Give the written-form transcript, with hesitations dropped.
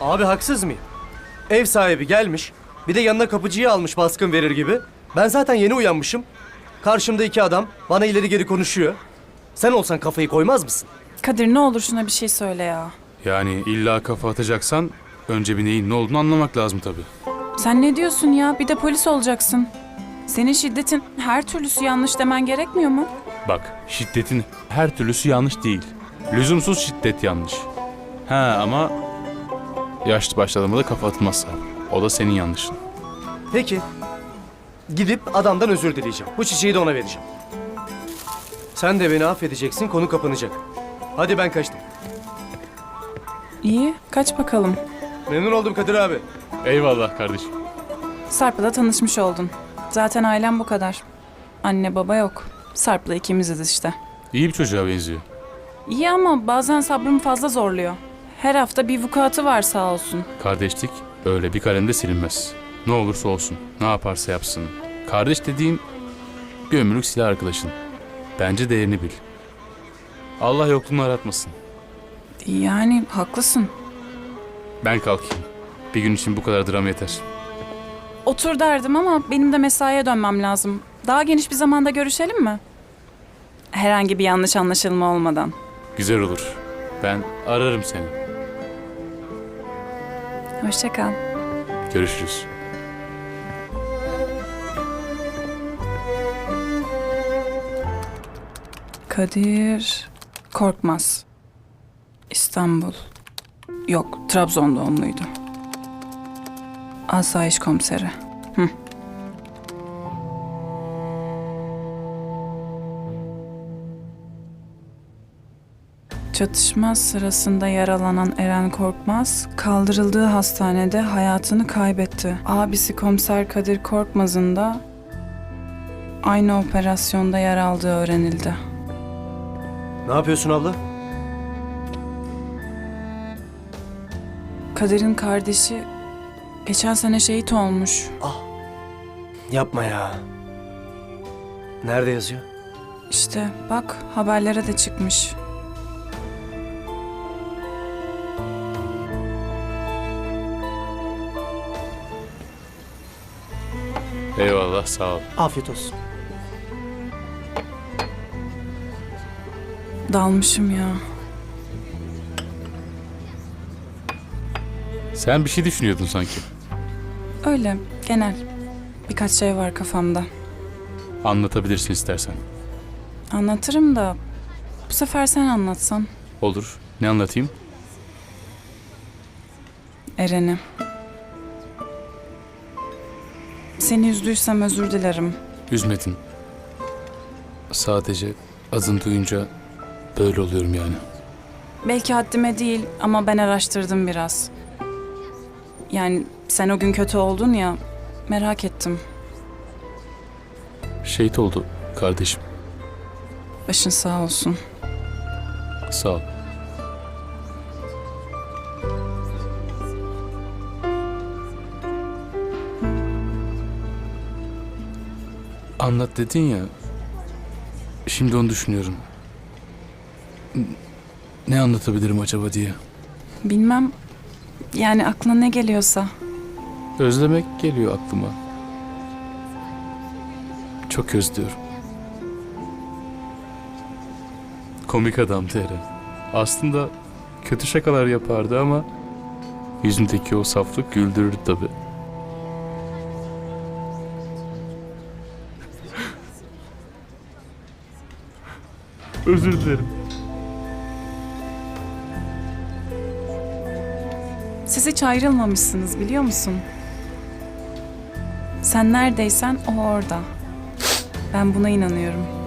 Abi haksız mıyım? Ev sahibi gelmiş, bir de yanına kapıcıyı almış baskın verir gibi. Ben zaten yeni uyanmışım. Karşımda iki adam bana ileri geri konuşuyor. Sen olsan kafayı koymaz mısın? Kadir ne olur şuna bir şey söyle ya. Yani illa kafa atacaksan önce bir neyin ne olduğunu anlamak lazım tabii. Sen ne diyorsun ya? Bir de polis olacaksın. Senin şiddetin her türlüsü yanlış demen gerekmiyor mu? Bak, şiddetin her türlüsü yanlış değil. Lüzumsuz şiddet yanlış. Ha ama yaşlı başladığında da kafa atılmaz abi. O da senin yanlışın. Peki. Gidip adamdan özür dileyeceğim. Bu çiçeği de ona vereceğim. Sen de beni affedeceksin, konu kapanacak. Hadi ben kaçtım. İyi, kaç bakalım. Memnun oldum Kadir abi. Eyvallah kardeşim. Sarp'la tanışmış oldun. Zaten ailem bu kadar. Anne baba yok. Sarp'la ikimiziz işte. İyi bir çocuğa benziyor. İyi ama bazen sabrım fazla zorluyor. Her hafta bir vukuatı var sağ olsun. Kardeşlik öyle bir kalemde silinmez. Ne olursa olsun, ne yaparsa yapsın. Kardeş dediğin bir ömürlük silah arkadaşın. Bence değerini bil. Allah yokluğunu aratmasın. Yani haklısın. Ben kalkayım. Bir gün için bu kadar dram yeter. Otur derdim ama benim de mesaiye dönmem lazım. Daha geniş bir zamanda görüşelim mi? Herhangi bir yanlış anlaşılma olmadan. Güzel olur. Ben ararım seni. Hoşça kal. Görüşürüz. Kadir Korkmaz. İstanbul. Yok, Trabzon doğumluydu. Asayiş komiseri. Hı. Çatışma sırasında yaralanan Eren Korkmaz, kaldırıldığı hastanede hayatını kaybetti. Abisi Komiser Kadir Korkmaz'ın da aynı operasyonda yer aldığı öğrenildi. Ne yapıyorsun abla? Kadir'in kardeşi geçen sene şehit olmuş. Yapma ya. Nerede yazıyor? İşte bak haberlere de çıkmış. Eyvallah, sağ ol. Afiyet olsun. Dalmışım ya. Sen bir şey düşünüyordun sanki. Öyle genel. Birkaç şey var kafamda. Anlatabilirsin istersen. Anlatırım da bu sefer sen anlatsan. Olur. Ne anlatayım? Eren'i. Seni üzdüysem özür dilerim. Üzmedin. Sadece adını duyunca böyle oluyorum yani. Belki haddime değil ama ben araştırdım biraz. Yani sen o gün kötü oldun ya, merak ettim. Şehit oldu kardeşim. Başın sağ olsun. Sağ ol. Anlat dedin ya. Şimdi onu düşünüyorum. Ne anlatabilirim acaba diye. Bilmem, yani aklına ne geliyorsa. Özlemek geliyor aklıma. Çok özlüyorum. Komik adamdı Eren. Aslında kötü şakalar yapardı ama yüzündeki o saflık güldürürdü tabii. Özür dilerim. Siz hiç ayrılmamışsınız biliyor musun? Sen neredeysen o orada. Ben buna inanıyorum.